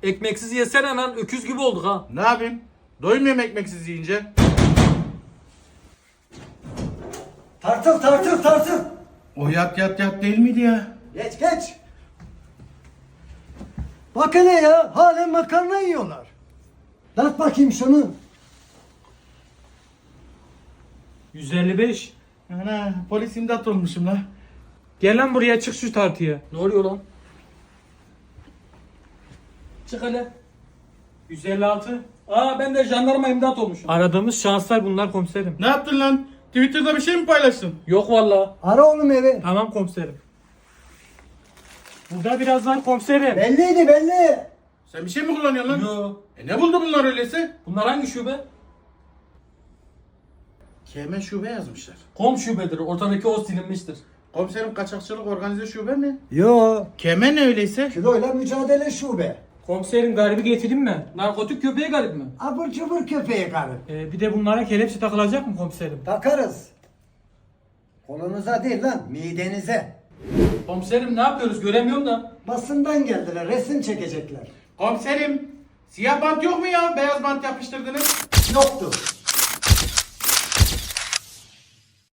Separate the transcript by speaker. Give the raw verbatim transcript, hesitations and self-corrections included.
Speaker 1: Ekmeksiz yesene lan, öküz gibi olduk ha.
Speaker 2: Ne yapayım? Doymuyorum ekmeksiz yiyince.
Speaker 3: Tartıl tartıl tartıl.
Speaker 2: O yat yat yat değil miydi ya?
Speaker 3: Geç geç. Bak hele ya, halen makarna yiyorlar. Dart bakayım şunu.
Speaker 1: yüz elli beş.
Speaker 2: Ana polis imdat olmuşum la.
Speaker 1: Gel lan buraya, çık şu tartıya. Ne oluyor lan? Çık hele. yüz elli altı. Aa, ben de jandarma imdat olmuşum. Aradığımız şanslar bunlar komiserim.
Speaker 2: Ne yaptın lan? Twitter'da bir şey mi paylaştın?
Speaker 1: Yok valla.
Speaker 3: Ara oğlum evi.
Speaker 1: Tamam komiserim. Burada biraz var komiserim.
Speaker 3: Belliydi belli.
Speaker 2: Sen bir şey mi kullanıyorsun lan?
Speaker 1: Yo.
Speaker 2: E ne buldu bunlar öyleyse?
Speaker 1: Bunlar hangi şube?
Speaker 2: Keme şube yazmışlar.
Speaker 1: Kom şubedir. Ortadaki o silinmiştir.
Speaker 2: Komiserim kaçakçılık organize şube mi?
Speaker 3: Yo.
Speaker 2: Keme ne öyleyse?
Speaker 3: Kiloyla mücadele şube.
Speaker 1: Komiserim, garibi getireyim mi? Narkotik köpeği garip mi?
Speaker 3: Abur cubur köpeği karı.
Speaker 1: Ee, bir de bunlara kelepçe takılacak mı komiserim?
Speaker 3: Takarız. Kolunuza değil lan, midenize.
Speaker 1: Komiserim ne yapıyoruz, göremiyorum da.
Speaker 3: Basından geldiler, resim çekecekler.
Speaker 2: Komiserim siyah bant yok mu ya? Beyaz bant yapıştırdınız.
Speaker 3: Yoktu.